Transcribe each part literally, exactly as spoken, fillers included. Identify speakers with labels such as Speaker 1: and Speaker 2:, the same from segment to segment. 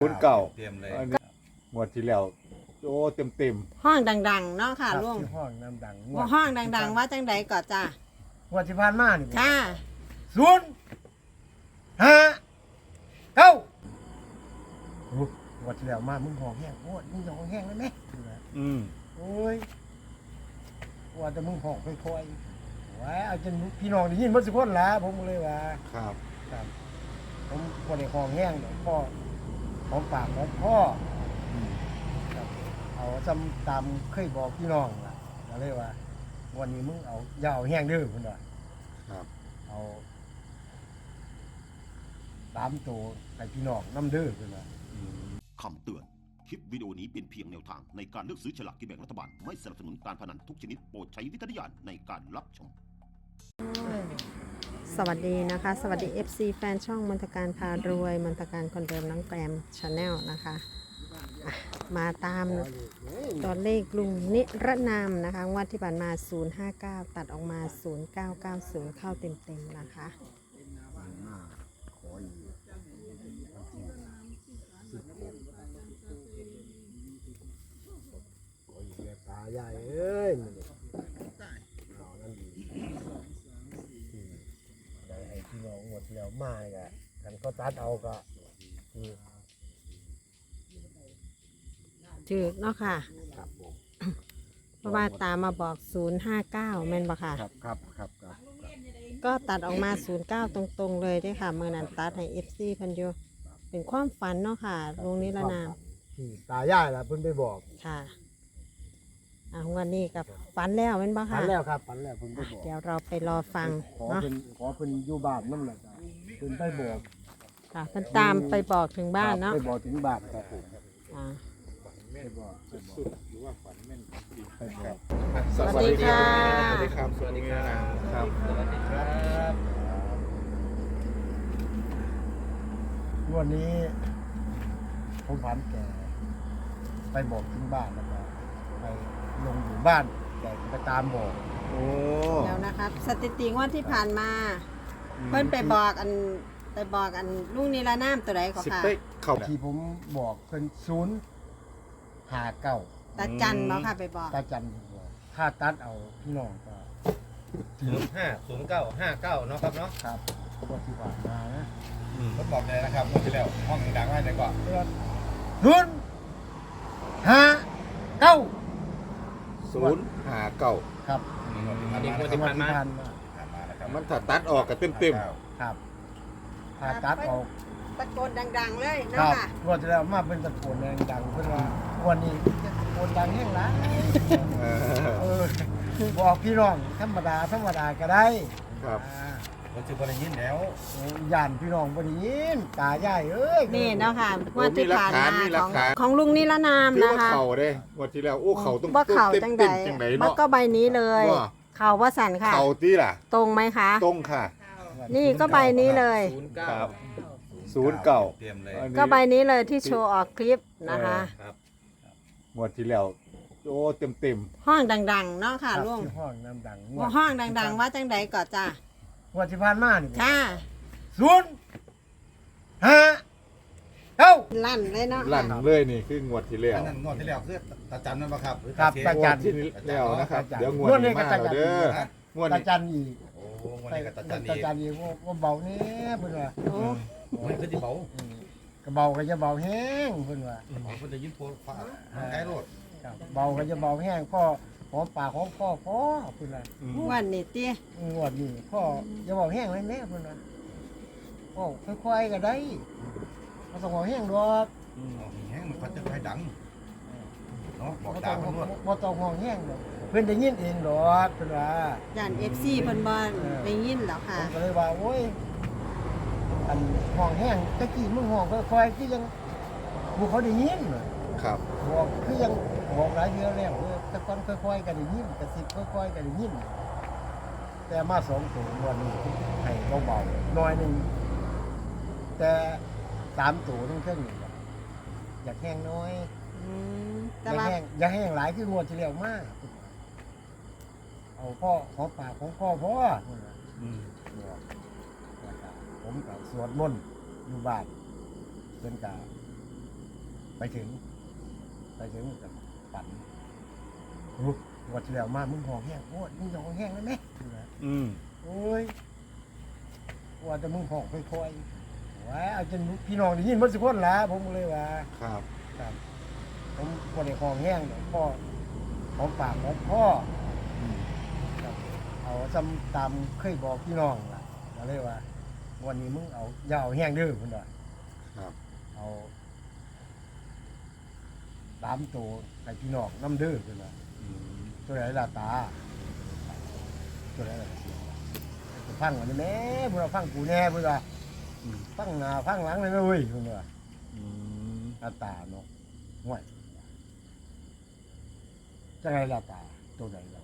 Speaker 1: ศูนย์เก่า
Speaker 2: เตรียมเลย
Speaker 1: หมดที่แล้วโอ้เต็มเต็ม
Speaker 3: ห้องดังๆเนาะค่ะลุง
Speaker 4: ที่ห้องน้ำดัง
Speaker 3: ว่าห้องดังๆว่าจังใดก่อนจ้า
Speaker 4: งวดที่ผ่านมานี่
Speaker 3: ค่ะ
Speaker 4: ศูนย์ห้าเก้าโอ้งวดที่แล้วมามึงห้องแห้งโอ้ยมึงห้องแห้งได้ไหม
Speaker 1: ๆอืม
Speaker 4: โอ้ยว่าแต่มึงห้องค่อยๆว้าเอาจนพี่น้องได้ยินหมดทุกคนละผมก็เลยว่า
Speaker 1: ครับ
Speaker 4: ครับผมคนในห้องแห้งเนาะพ่อของปากของพ่อ
Speaker 1: อืม
Speaker 4: ครับเอาจำตามเคยบอกพี่น้องล่ะก็เลยว่าวันนี้มึงเอาอย่าเอาแห้งเด้อคุณว่า
Speaker 1: ครับ
Speaker 4: เอาตามตัวให้พี่น้องน้ำเด้อคุณว่า
Speaker 1: อืม
Speaker 5: คำเตือน คลิปวิดีโอนี้เป็นเพียงแนวทางในการเลือกซื้อฉลากกินแบ่งรัฐบาล ไม่สนับสนุนการพนันทุกชนิดโปรดใช้วิจารณญาณในการรับชม
Speaker 3: สวัสดีนะคะ สวัสดี เอฟ ซี แฟนช่องมนตการพารวยมนตการคนเดิมน้องแกรมชาแนลนะคะอ่ะมาตามตัวเลขลุงนิรนามนะคะงวดที่ผ่านมา ศูนย์ห้าเก้า ตัดออกมา ศูนย์เก้าเก้าศูนย์ เข้าเต็มๆนะคะ
Speaker 4: ขออีกขออีกแล้วตาใหญ่เอ้ยมันนี่เอานั่นดีที่ได้ให้พี่น้องหมดแล้วมาเนี่ยกันก็ตัดเอาก็คือ
Speaker 3: ถือเนาะค่ะ
Speaker 4: ครับผม
Speaker 3: เพราะว่าตามมาบอก ศูนย์ห้าเก้า แม่นบ่ค่ะ
Speaker 4: ครับครับครับครับ
Speaker 3: ก็ตัดออกมา ศูนย์เก้า ตรงๆเลยเด้วยค่ะเมื่อนั้นตัดให้ เอฟ ซี พันโยเป็นความฝันเนาะค่ะลุงนิรนาม
Speaker 4: ที่ตายายล่ะเพิ่นไปบอก
Speaker 3: ค่ะอ่ะวันนี้กับฝันแล้วแม่นบ่
Speaker 4: ฝั
Speaker 3: ค่ะ
Speaker 4: นแล้วครับฝันแล้วเพิ่นไป
Speaker 3: อ่ะ
Speaker 4: บอก
Speaker 3: เดี๋ยวเราไปรอฟัง
Speaker 4: ขอ
Speaker 3: เนาะ
Speaker 4: เพิ่นขอเพิ่นอยู่บ้านนั่นแหละจ้ะเพิ่นไปบอก
Speaker 3: ค่ะเพิ่นตามไปบอกถึงบ้านเนาะ
Speaker 4: ไปบอกถึงบ้านครับผม
Speaker 3: อ่า
Speaker 4: ไปบอกไปบอกไปบอก
Speaker 3: สวัสดีค่ะ
Speaker 1: สวัสดีครับ สวัสดีครับครับ
Speaker 4: วันนี้ผมผันแกไปบอกถึงบ้านแล้วก็ไปลงอยู่บ้านแกไปตามบอก
Speaker 1: โอ้
Speaker 3: เดี๋ยวนะคะสถิติงวดที่ผ่านมา เพิ่นไปบอกอันไปบอกอันลุงนิรนามตัวใดก็
Speaker 1: สิบ
Speaker 3: ค่ะ
Speaker 1: เป๊กเข้า
Speaker 4: ที่ผมบอกเพิ่นศูนย์หาเก้า
Speaker 3: ตาจันบ่ค่ะไปบอก
Speaker 4: ตาจันบอกถ้าตัดเอาพี่น้องก็
Speaker 2: ศูนย์ห้าศูนย์เก้าห้าเก้าเนาะครับเนาะ
Speaker 4: ครับก็ที่ผ่านมานะ
Speaker 2: ทดบอกเลยนะครับงวดที่แล้วห้องดังๆไว้เลยก่อน
Speaker 4: ศูนย์ห้าเก้า
Speaker 1: ศูนย์ห้าเก้า
Speaker 4: ครับ
Speaker 2: อันนี้งวดที่ผ่านมา
Speaker 4: ผ่านมา
Speaker 2: ผ่านมานะครับ
Speaker 1: มันถ้าตัดออกก็เต็มเต็ม
Speaker 4: ครับถ้าตัดออก
Speaker 3: ตะโกนดังๆเลย
Speaker 4: ค
Speaker 3: เนาะ
Speaker 4: รับ
Speaker 3: ค่ะ
Speaker 4: รวดแล้วมาเป็นตะโกนแรงดังเพื่อนว่าวันนี้จะตะโกนดังแห้งละ
Speaker 1: ๆเออ
Speaker 4: เออบอกพี่น้องธรรมดาธรรมดาก็ได้
Speaker 1: ครับ
Speaker 4: อ่า
Speaker 2: มันจะบริยินแล้ว
Speaker 4: โอ้ย่านพี่น้องบ่ได้ยินตาใหญ่เอ้ย
Speaker 3: นี่เนาะค่ะงวดที่ผ่านมา
Speaker 1: มีหลั
Speaker 3: ข
Speaker 1: ก
Speaker 3: อง
Speaker 1: ฐาน
Speaker 3: ของลุงนิรนาม
Speaker 1: ถือ
Speaker 3: นะ
Speaker 1: ว่า
Speaker 3: คะ
Speaker 1: เข่าเด้หมดที่แล้วโอ้เข่าต้อง
Speaker 3: บ่เข่า
Speaker 1: เต็ม
Speaker 3: จัง
Speaker 1: เต็
Speaker 3: ใด
Speaker 1: มจังไหน
Speaker 3: บ่
Speaker 1: เนาะ
Speaker 3: ก็ใบนี้เลย
Speaker 1: ว่า
Speaker 3: เข่าว่าสั่นค่ะ
Speaker 1: เข่าตีล่ะ
Speaker 3: ตรงไหมคะ
Speaker 1: ตรงค่ะ
Speaker 3: นี่ก็ใบนี้เลย
Speaker 2: ศูนย์เก้า
Speaker 1: ครับ ศูนย์เก่า
Speaker 2: เตรียมเลย
Speaker 1: อันนี้
Speaker 3: ก็ใบนี้เลยที่โชว์ออกคลิปนะคะ
Speaker 2: ครับ
Speaker 1: หมดที่แล้วโอ้เต็มเต็ม
Speaker 3: ห้องดังๆเนาะค่ะ
Speaker 4: ครับ
Speaker 3: ลุง
Speaker 4: ที่ห้องน้ำดัง
Speaker 3: ว่าห้องดังๆว่าจังใดก่อนจ้า
Speaker 4: งวดที่ผ่านมานี่
Speaker 3: ค่ะ
Speaker 4: ศูนย์ห้าเก้า
Speaker 3: ลั่นเลยเนาะ
Speaker 1: ๆลั่นเลยนี่คืองวดที่แล้ว
Speaker 2: อันนั้นงวดที่แล้วคือตาจันนั่นปะครับหรือ
Speaker 4: ครับ
Speaker 2: ตา
Speaker 4: ตา
Speaker 2: เช
Speaker 4: จั
Speaker 2: ฟ
Speaker 4: น
Speaker 1: งวดที่แล้วนะครับ เดี๋ยวงวด
Speaker 4: งวดนี้
Speaker 1: นี้
Speaker 4: ก็
Speaker 1: มา
Speaker 4: ตาจั
Speaker 1: แล้ว
Speaker 4: น
Speaker 1: เด้อ
Speaker 2: ฮะ
Speaker 1: งวด
Speaker 4: ตา
Speaker 1: นี้
Speaker 4: จันอีก
Speaker 2: โอ้งวดนี้กับตาจัน
Speaker 4: ตา
Speaker 2: อีก
Speaker 4: จันอีกว่าว่าเบานี่เพิ่นว่า
Speaker 3: โอ้
Speaker 2: โอ้ยคือที่เบา
Speaker 4: อืมก็เบาก็จะเบาแห้งเพิ่นว่า
Speaker 2: เบาเพิ่นจะยินโพลฟ้าใกล้โลด
Speaker 4: ครับเบาก็จะเบาแห้งพ่อหอมปากหอมคอพ่อเพิ่นว่า
Speaker 1: อืม
Speaker 3: วันนี้เตี้ย
Speaker 4: งวดนี้พ่อจะเบาแห้งไว้แน่เพิ่นว่าพ่อค่อยๆก็ได้บ่ต้องเบาแห้งดอก
Speaker 2: อ๋อแห้งมันพัดจะไปดังเนาะบอก
Speaker 4: บ่
Speaker 2: ดา
Speaker 4: ต้
Speaker 2: ว
Speaker 4: อง
Speaker 2: มันรวด
Speaker 4: บ่ต้องเบาแห้งดอกเพิ่นได้ยินเองดอกเพิ่นว่า
Speaker 3: ย่านเอฟซีเพิ่นบ่ได้ยินแล้ว
Speaker 4: ผ
Speaker 3: ค่ะ
Speaker 4: มก็เลยว่าโอ้ยอันห้องแห้งตะกี้มึงห้องค่อยๆคือยังบ่เขาได้ยินน่ะ
Speaker 1: ครับ
Speaker 4: บอกคือยังบอกหลายเดือนแล้วเออแต่ก่อนค่อยๆก็ได้ยินกระซิบค่อยๆก็ได้ยินแต่มาสองตัววันนี้ให้เบาๆหน้อยหนึงแต่สามตัวทั้งเครื่องนี่อยากแห้งน้อย
Speaker 3: อืม
Speaker 4: อ
Speaker 3: แต่
Speaker 4: ยาก
Speaker 3: ว่า
Speaker 4: แห้งอยากแห้งหลายคืองวดที่แล้วมากเอาพ่อขอปากของพ่อพ่อ
Speaker 1: อืม
Speaker 4: บอกแล้วก็ผมกับสวดมนต์อยู่บ้านเพิ่นก็ไปถึง ไปถึงกับปั่นโอ้วัดที่แล้วมามึงห้องแห้งโอ้ยมึงห้องแห้งได้ไหม
Speaker 1: อืม
Speaker 4: โอ้ยว่าแต่มึงห้องค่อยๆว้าเอาจนพี่น้องได้ยินหมดทุกคนละผมก็เลยว่า
Speaker 1: ครับ
Speaker 4: ครับผมบ่ได้ห้องแห้งดอกพ่อของปากของพ่อ
Speaker 1: อืม
Speaker 4: ครับเอาซ้ำตามเคยบอกพี่น้องล่ะก็เลยว่า วันนี้มึงเอาอย่าเอาแห้งเด้อพุ่นว่า
Speaker 1: ครับ
Speaker 4: เอาตามตัวให้พี่น้องน้ำเด้อพุ่นว่า
Speaker 1: อืม
Speaker 4: ตัวไหนล่ะตาตัวไหนล่ะเสียงล่ะจะฟังวันนี้แม่พุ่นว่าฟังกูแน่พุ่นว่า
Speaker 1: อืม
Speaker 4: ฟังหน้าฟังหลังเลยนะเว้ยพุ่นว่า
Speaker 1: อืม
Speaker 4: หน้าตาเนาะห่วยจังไงล่ะตาตัวไหนล่ะ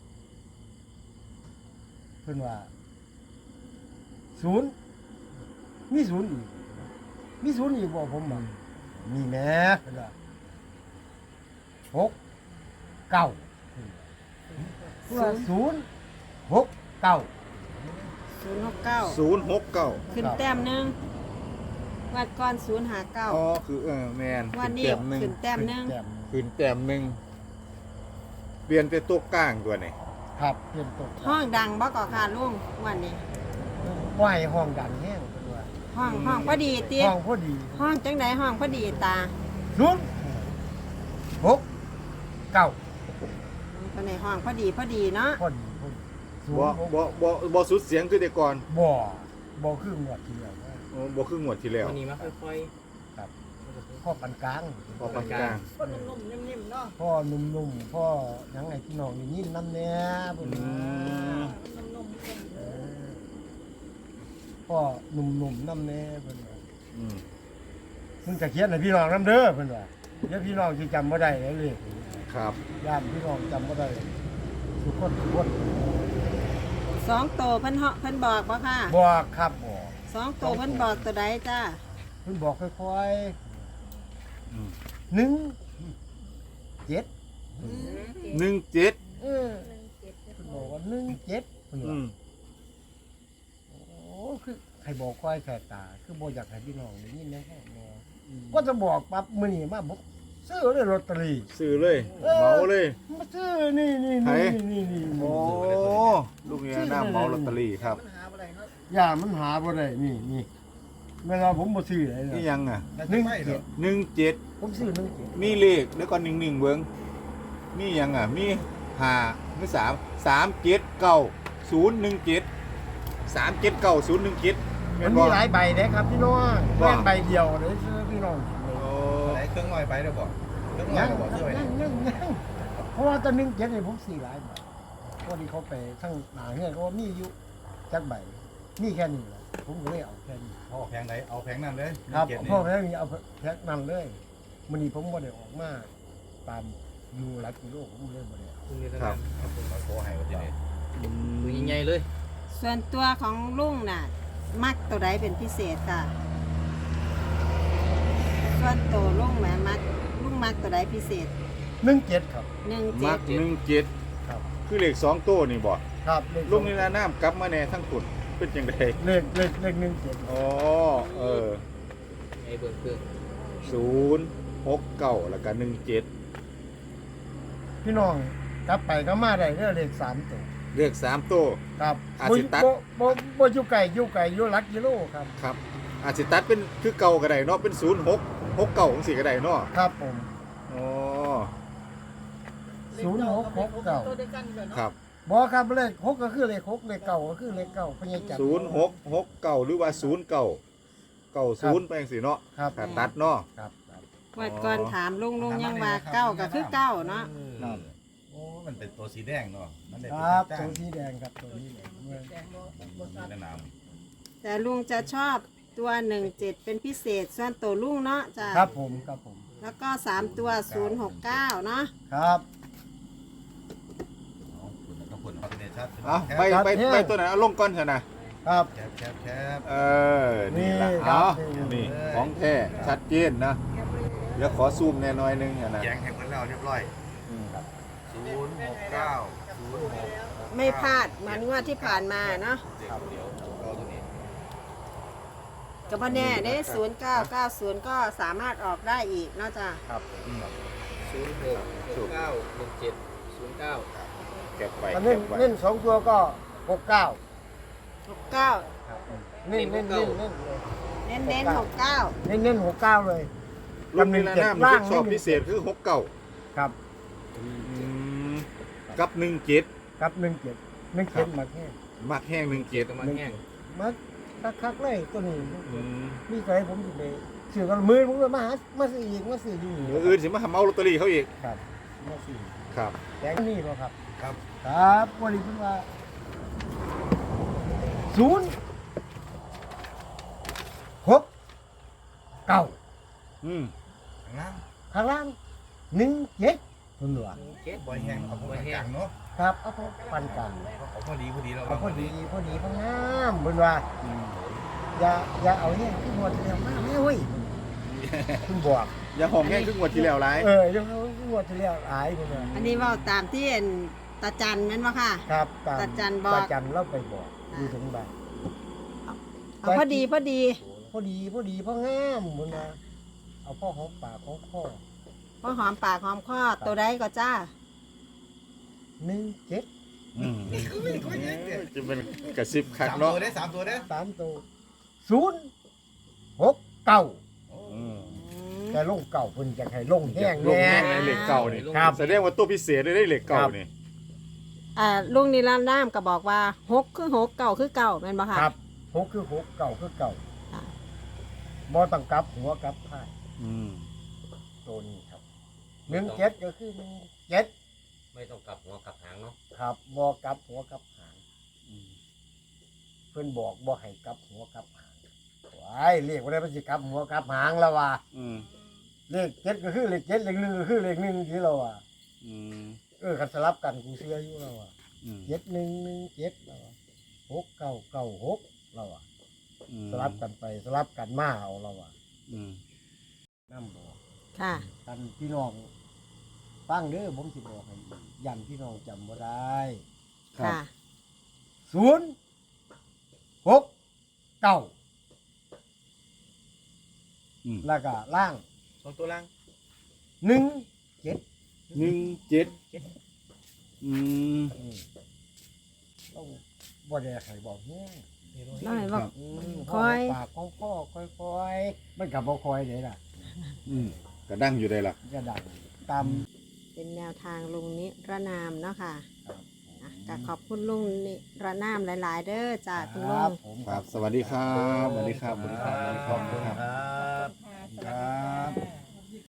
Speaker 4: เพิ่นว่าศูนย์มีศูนย์อีกมีศูนย์อีกบ่ผมว่ามีแหม่เพิ่นว่าหกเก้าเพิ่นว่าศูนย์หกเก้า
Speaker 3: ศูนย์หกเก้า
Speaker 1: ศูนย์หกเก้า
Speaker 3: ขึ้นแต้มหนึ่งวัดก่อนศูนย์หาเก้า
Speaker 1: อ๋อคือเออแมน
Speaker 3: วันนี้
Speaker 1: แต้มหนึ่ง
Speaker 3: ขึ้นแต้มหนึ่ง
Speaker 4: แต้ม
Speaker 1: ขึ้นแต้มหนึ่งเปลี่ยนเป็นตัวกลางตัวนี่
Speaker 4: ครับเปลี่ยนตัว
Speaker 3: ห้องดังบ่ก่อค่ะลุงวันนี้
Speaker 4: ไหวห้องดังแห้งเพิ่นว่า
Speaker 3: ห้องห้องพอดีติ
Speaker 4: ห้องพอดี
Speaker 3: ห้องจังไดห้องพอดีตา
Speaker 4: ศูนย์หกเก้า
Speaker 3: ตัวในห้องพอดีพอดีเนาะ
Speaker 4: พอดีพอดีศูน
Speaker 1: บ่
Speaker 4: ย์หก
Speaker 1: บ่บ่บ่สุดเสียงคือแต่ก่อน
Speaker 4: บ่บ่คือหมวดที่แล้วนะ
Speaker 1: โอ้บ่คืองวดที่แล้ว
Speaker 6: วันนี้มาค่อย
Speaker 4: ครับพ่อปานกลาง
Speaker 1: พอปานกลาง
Speaker 4: พ่อหนุ่มๆพ่อหยังไงพี่น้องนี่ยินน้ำแหน่เพิ่น
Speaker 1: อื
Speaker 4: ว่าม เออพ่อหนุ่มๆน้ำแหน่เพิ่นว่า
Speaker 1: อืม
Speaker 4: มึงจะเขียนให้พี่น้องน้ำเด้อเพิ่นว่าเดี๋ยวพี่น้องสิจำบ่ได้เลยเลข
Speaker 1: ครับ
Speaker 4: ญาติพี่น้องจำบ่ได้ทุกคนทุกคน
Speaker 3: สองโตเพิ่นเหาะเพิ่นบอกบ่ค่ะ
Speaker 4: บอกครับบอก
Speaker 3: สองโตเพิ่นบอกตัวใดจ้า
Speaker 4: เพิ่นบอกค่อย
Speaker 1: อืม
Speaker 4: ๆหนึ่งเจ็ด
Speaker 1: หนึ่งเจ็ด
Speaker 4: เออเพิ่นบอกว่าหนึ่งเจ็ดเพิ่น
Speaker 1: อื
Speaker 4: ว่าม โอ้คือใครบอกค่อยแค่ตา คือบ่อยากให้พี่น้องได้ยินแน่ๆแน่ก็จะบอกปั๊บมื้อนี้มาบอกซื้อเลยลอตเตอรี่
Speaker 1: ซื้อเลย
Speaker 4: เออ
Speaker 1: เหมาเลย
Speaker 4: มาซื้อนี่นี่
Speaker 1: ไหน
Speaker 4: นี่นี่นี่
Speaker 1: โอ้ลูกเนี่ยน้าเหมาลอตเตอรี่ครับ
Speaker 4: อย่ามันหาบ่ได้นี่นี่เวลาผมบ่ซื้ออะไร
Speaker 1: นี่
Speaker 4: นะ
Speaker 1: ยังอ่ะ
Speaker 2: แล้ว
Speaker 4: หนึ่ง
Speaker 2: ไม่เหร
Speaker 4: เจ็
Speaker 2: อ
Speaker 4: ด
Speaker 1: หนึ่งเจ็ด
Speaker 4: ผมซื้อหนึ่งเจ็ด
Speaker 1: มีเลขแล้วก็หนึ่งหนึ่งเบิ้งมียังอ่ะ มีห้ามีสามสามเจ็ดเก้าศูนย์หนึ่งเจ็ดสามเจ็ดเก้าศูนย์หนึ่งเจ็ด
Speaker 4: มันมีหลายใบเด้ครับพี่น้อง
Speaker 1: ว่า
Speaker 4: แม่นใบเดียวเลยซื้อพี่น้อง
Speaker 1: โอ้
Speaker 2: ไหนเครื่องลอยไปเดี๋ยวบอกเครื่องลอ
Speaker 4: ยั
Speaker 2: ย
Speaker 4: ง
Speaker 2: เดี๋ยวบอกซื้อไว้
Speaker 4: ยั
Speaker 2: เนี่ย
Speaker 4: งยังยังเพราะว่าตอนหนึงเจ็ดนี่ผมซื้อหลายใบเพราะที่เขาไปทั้งหนาเฮือนก็ว่ามีอยู่จักใบมีแค่นี้แหละผมก็เลยเอาแค่นี้
Speaker 2: พ่อแพงไหนเอาแพงนั่นเลย
Speaker 4: ครับ
Speaker 2: เจ็ดนี่
Speaker 4: พ่อแม่มีเอาแพ็คนั่นเลยมื้อนี้ผมบ่ได้ออกมาตามอยู่หลักกิโลผมเลยบ่ได้เอา
Speaker 6: ๆคุณนี่
Speaker 1: ครับ
Speaker 2: มาโทรให้วันนี้
Speaker 6: ดูใหญ่ๆเลย
Speaker 3: ส่วนตัวของลุงน่ะ มักตัวใดเป็นพิเศษค่ะ ส่วนตัวลุงแหมมักลุงมักตัวใดพิเศษ
Speaker 4: หนึ่งเจ็ดครับ
Speaker 3: หนึ่ง
Speaker 1: มั
Speaker 3: เจ็ด
Speaker 1: กหนึ่งเจ็ด
Speaker 4: ครับ
Speaker 1: คือเลขสองตัวนี่บ่
Speaker 4: ครับเลข
Speaker 1: ลุงนี่นะน้ำกลับมาแน่ทั้งขุนเป็นยังไง
Speaker 4: เลขเลขเลขหนึ่งเจ็ด
Speaker 1: อ๋อเออ
Speaker 6: ไอ้เบิ่งเครื่อง
Speaker 1: ศูนย์หกเก้าแล้วก็หนึ่งเจ็ด
Speaker 4: พี่น้องกลับไปก็มาได้เด้อเลขสามตัว
Speaker 1: เลขสามตัว
Speaker 4: ครับ
Speaker 1: อาจสิตัด
Speaker 4: บ่บ่บ่อยู่ไกลอยู่ไกลอยู่หลักกิโลครับ
Speaker 1: ครับ อาจสิตัดเป็นคือเก่าก็ได้เนาะเป็นศูนย์หกหกเก้าของสี่ก็ได้เนาะ
Speaker 4: ครับผม
Speaker 1: อ๋อ
Speaker 4: ศูนย์หกหกเก้า
Speaker 1: ครับ
Speaker 4: บ่ครับเลขหกก็คือเลขหกเลขเก้าก็คือเลขเก้าพญาจักร
Speaker 1: ศูนย์หกหกเก้าหรือว่าศูนย์เก้าเก้าศูนย์ไปจังซี่เนาะ
Speaker 4: ครับ
Speaker 1: ถ้าตัดเนาะ
Speaker 4: ครับครับ
Speaker 3: วัดก่อนถามลุงลุงยังว่าเก้าก็คือเก้าเนาะ
Speaker 2: ครับ โอ้มันเป็นตัวสีแดงเนาะมันได้
Speaker 4: ค
Speaker 2: เป็น
Speaker 4: รับ
Speaker 2: จ้า
Speaker 4: ตัว
Speaker 2: ง
Speaker 4: สีแดงครับตัวนี้แหละเมื่อ
Speaker 2: มีแนะน
Speaker 3: แต่ลุงจะชอบตัวหนึ่งเจ็ดเป็นพิเศษ ส่วนตัวลุงเนาะจ้ะ
Speaker 4: ครับผมครับผม
Speaker 3: แล้วก็สามตัวศูนย์หกเก้าเนาะ
Speaker 4: ครับ
Speaker 2: ำเอาคุณต้องคุณปักเนชัด
Speaker 1: เอาไปไปไปตัวไหนเอาลงก่อนเถอะนะครับ
Speaker 2: แคบแคบแคบ
Speaker 1: เออนี่ละ
Speaker 4: นี่ครั
Speaker 1: เอา
Speaker 4: บ
Speaker 1: นี่ของแท้ชัดเจนนะเดี๋ยวขอซูมแน่น้อยนึงอะนะ
Speaker 2: แยงให้เพิ่นแล้วเรียบร้อย
Speaker 1: อืม
Speaker 2: ศูนย์หกเก้าศูนย์หก
Speaker 3: ไม่พลาดเหมือนงวดที่ผ่านมาเนาะ
Speaker 2: เดี๋ยวเดี๋ยวเอาตัวนี้
Speaker 3: ก็บ่แน่เด้ศูนย์เก้าเก้าศูนย์ก็สามารถออกได้อีกเนาะจ้ะ
Speaker 4: ครับ
Speaker 6: ศูนย์หกหกเก้าหนึ่งเจ็ดศูนย์เก้า
Speaker 1: เก็บไป
Speaker 4: อัน
Speaker 1: เก็
Speaker 4: เน้น
Speaker 1: บไว้
Speaker 4: เน้นสองตัวก็หกเก้า
Speaker 3: หกเก้า
Speaker 4: เน้นเน้นเน้นเน้น
Speaker 3: เน้นเน้นหกเก้า
Speaker 4: เน้นเน้นหกเก้าเลย
Speaker 1: รุ่นนี้ละน้ำมันชอบพิเศษคือหกเก้า
Speaker 4: ครับ
Speaker 1: กับหนึ่งเจ็ด
Speaker 4: ครับหนึ่งเจ็ดหนึ่งเจ็ดมาแค่
Speaker 1: มักแห้งหนึ่งเจ็ด
Speaker 6: ตัวมันแห้ง
Speaker 4: มาคักๆเลยตัวนี้
Speaker 1: อืม
Speaker 4: มีใจผมอยู่เลยซื้อกันมือผมเลยมาหามาซื้ออีกมาซื้ออยู่นี่
Speaker 1: เดี๋ยวอื่นสิมาทำเอาลอตเตอรี่เขาอีก
Speaker 4: ครับมาซื้อ
Speaker 1: ครับ
Speaker 4: แต่นี่บ่ครับ
Speaker 2: ครับ
Speaker 4: ครับวันนี้เพิ่นว่าศูนย์หกเก้า
Speaker 1: อืม
Speaker 2: ข้างล่าง
Speaker 4: ข้างล่างหนึ่งเจ็ดเพิ่นว่า
Speaker 6: เจ็ด
Speaker 2: บอยแห้งเอาพวกกลางเนาะ
Speaker 4: ครับเอาพอปันกัน
Speaker 2: เอาพอดีพอดีเรา
Speaker 4: เอาพอดีพอดีพองามเพิ่นว่า
Speaker 1: อืม
Speaker 4: อย่าอย่าเอาเนี่ยขึ้นหัวทีเดียวมาแม่เว้ยเพิ่นบอก
Speaker 1: อย่าห้องแห้งครึ่งวันที่แล้วไร
Speaker 4: เออยังเอาขึ้นหัวทีเดียวอายเพิ่นว่า
Speaker 3: อันนี้เว่าตามที่เห็นตาจันแม่นบ่ค่ะ
Speaker 4: ครับตาม
Speaker 3: ตาจันบอก
Speaker 4: ตาจันเราไปบอกอยู่ถึงบ้าน
Speaker 3: เอาพอดีพอดี
Speaker 4: พอดีพอดีพองามเพิ่นว่าเอาพ่อหอมปากของพ่อ
Speaker 3: พอหอมปากหอมคอตัวใดก็จ้า
Speaker 4: หนึ่งเจ็ด
Speaker 1: อืมจะเป็นกระซิบคัก
Speaker 2: สาม
Speaker 1: เนาะ
Speaker 2: ตัวได้สามตัวได้
Speaker 4: สามตัวศูนย์หกเก้า
Speaker 1: อืม
Speaker 4: แต่ลงเก่าเพิ่นจะให้ลงแห้ง
Speaker 1: ลง
Speaker 4: แน่
Speaker 1: แห้งในเหล็กเก่านี่
Speaker 4: ครับ
Speaker 1: แสดงว่าตัวพิเศษได้ได้เหล็กเก่านี่
Speaker 3: อ่าลุงนิรันดร์น้ำก็บอกว่าหกคือหกเก่าคือเก่าแม่นบ่ค่ะ
Speaker 4: ครับหกคือหกเก่าคือเก่า
Speaker 3: ค่ะ
Speaker 4: บ่ต้องกลับหัวกลับท้าย
Speaker 1: อืม
Speaker 4: ตัวนี้ครับหนึ่งเจ็ดก็คือหนึ่งเจ็ด
Speaker 6: ไม่ต้องกลับหัวกลับหางเนาะ
Speaker 4: ครับบ่กลับหัวกลับหางเพิ่นบอกบ่ให้กลับหัวกลับหางว้ายเรียกว่าได้มันสิกลับหัวกลับหางแล้วว่า
Speaker 1: อืม
Speaker 4: เลขเจ็ดก็คือเลขเจ็ดเลขหนึ่งก็คือเลขหนึ่งที่เราว่า
Speaker 1: อืม
Speaker 4: เออคันสลับกันกูเชื่ออยู่แล้วว่า
Speaker 1: อืม
Speaker 4: เจ็ดหนึ่งหนึ่งเจ็ดแล้วว่าหกเก้าเก้าหกเราว่า
Speaker 1: อืม
Speaker 4: สลับกันไปสลับกันมาเอาเราว่า
Speaker 1: อืม
Speaker 4: น้ำบอก
Speaker 3: ค่ะ
Speaker 4: กันพี่น้องฟังเด้อผมสิบอกให้ยันพี่น้องจำบ่ได้
Speaker 1: ครับ
Speaker 3: ค่ะ
Speaker 4: ศูนย์หกเก้า
Speaker 1: อืม
Speaker 4: แล้วก็ล่าง
Speaker 2: สองตัวล่าง
Speaker 4: หนึ่งเจ็ด
Speaker 1: หนึ่งเจ็ดอืม
Speaker 4: ต้องบ่ได้ให้บอกแห้ง
Speaker 3: น้อยบอก
Speaker 4: อืม
Speaker 3: คอย
Speaker 4: ปากของพ่อค่อยๆมันกับบ่คอยเลยล่ะ
Speaker 1: อืมกระดังอยู่ได้ล่ะ
Speaker 4: จะดังตาม
Speaker 3: เป็นแนวทางลุงนิรนามเนาะค่ะ
Speaker 4: ครับ
Speaker 3: อ่ะก็ขอบคุณลุงนิรนามหลาย ๆ เด้อจากคุณ
Speaker 4: ค
Speaker 3: ลุ
Speaker 4: รั
Speaker 3: ง
Speaker 4: บผม
Speaker 1: ครับ สวัสดีครับสวัสดีครับสวัสดีครับสวัสดี
Speaker 2: ข
Speaker 1: ครั
Speaker 2: อ
Speaker 1: บบ
Speaker 2: คุณครับ
Speaker 4: ครับ